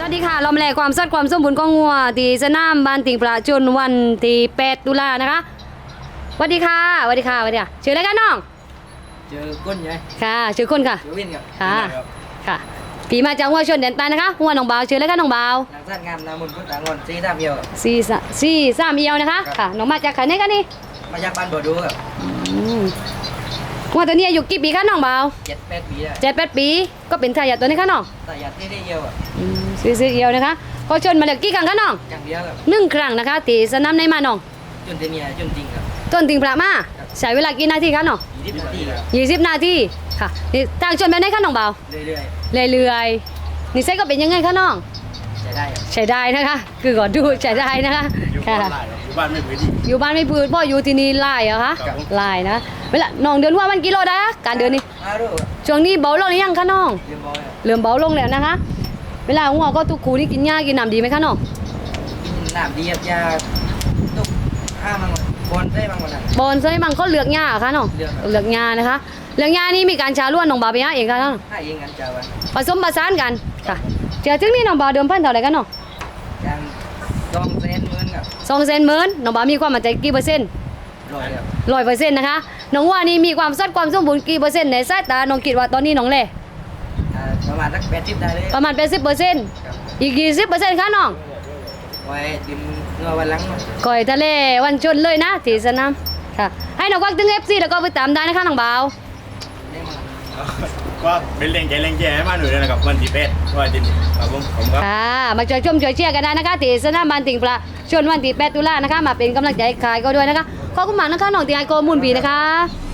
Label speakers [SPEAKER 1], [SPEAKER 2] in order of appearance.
[SPEAKER 1] สวัสดีค่ะลอมแหลกความสดความสมบูรณ์ของงัวที่สนามบ้านติงประจุนวันที่8 ตุลานะคะสวัสดีค่ะสวัสดีค่ะสวัสดีค่ะชื่ออะไรกันน้อง
[SPEAKER 2] เจอก้นไง
[SPEAKER 1] ค่ะชื่อคนค่ะ
[SPEAKER 2] ชื่อวินครับ
[SPEAKER 1] ค่ะค่ะปีมาจากหัวชนแดนใต้นะคะหัวหนองบาวชื่ออะไรกันน้องบาว
[SPEAKER 2] หนังสั้นงามนามุนพุทธางอนซีท่าเมียว
[SPEAKER 1] สี่สามเอียวนะคะค่ะน้องมาจากไหนกันนี่
[SPEAKER 2] มาจากบ้านบ่อดูครับ
[SPEAKER 1] หัวตัวนี้อายุกี่ปีคะน้องบาว
[SPEAKER 2] 7-8 ปีได้
[SPEAKER 1] 7-8 ปีก็เป็นทายาทตัวนี้คะน้อง
[SPEAKER 2] ทายาทที่ได้เยี่ยวครับ
[SPEAKER 1] ซื้อเอียวนะคะพอชนมาแล้วกี่ครั้งคะน้อง
[SPEAKER 2] อย่างเดียวครับ
[SPEAKER 1] 1 ครั้งนะคะที่สนามในมาน้อง
[SPEAKER 2] จนเทียจนจริงครับ
[SPEAKER 1] ต้นติงประมาใช้เวลากี่นาทีคะน้อง
[SPEAKER 2] 20 นาทีครับ
[SPEAKER 1] 20 นาทีค่ะนี่ทางชนแบบไหนคะน้องเบา
[SPEAKER 2] เรื่
[SPEAKER 1] อยๆนี่ไส้ก็เป็นยังไงคะน้อง
[SPEAKER 2] ใช้ได้ครับ
[SPEAKER 1] ใช้ได้นะคะคือก่อนดูใช้ได้นะคะค่ะ
[SPEAKER 3] อยู่บ้านไม่พื้นที่
[SPEAKER 1] อยู่บ้านไม่พื้นพ่ออยู่ที่นี่ไล่เหรอคะไล่นะเวลาน้องเดินว่ามันกิโลได้คะการเดินนี่ช่วงนี้เบาลงหรือยังคะน้องเริ่มเบาลงแล้วนะคะเวลาหัวก็ทุกคูนี่กินหญ้ากินน้ำดีไหมคะน้อง
[SPEAKER 2] กินน้ำดีครับยาตุกมังบอลได้บางวันนั้น
[SPEAKER 1] บอลใช่มังก็เลือกหญ้าคะน้องเลือกหญ้านะคะเลือกหญ้านี่มีการชาล้วนน้องบาไปหาเองคะน้อง
[SPEAKER 2] ให้เองกันจ้าวัน
[SPEAKER 1] ผสมผสานกันค่ะเจ้าถึงนี่น้องบาเดิมพันเท่าไหร่กันน้อง
[SPEAKER 2] อย่าง200,000ครับ
[SPEAKER 1] 200,000น้องบามีความมั่นใจกี่เปอร์เซ็นต์100%นะคะน้องว่านี่มีความสดความสมบูรณ์กี่เปอร์เซ็นต์ในสายตาน้องคิดว่าตอนนี้น้องเล่
[SPEAKER 2] ประมาณสัก80ได้เลย
[SPEAKER 1] ประมาณ80%อีก20%ค่ะน้อง
[SPEAKER 2] ไว้ดิมเงาวันหลัง
[SPEAKER 1] ก่อยทะเลวันชนเลยนะที่สนามค่ะให้น้องควักถึง FC แล้วก็ไปตามได้นะคะน้องบ่าว
[SPEAKER 3] ว่าเป็นแรงใจให้มาหน่อยนะครับวันที่8ว่าจริงครับผมครับ
[SPEAKER 1] ค่ะมาช่วยชมช่วยเชียร์กันได้นะคะที่สนามบ้านติงประชวนวันที่8 ตุลานะคะมาเป็นกำลังใจขายก็ด้วยนะคะขอบคุณมากนะคะน้องที่ให้ข้อมูลดีนะคะ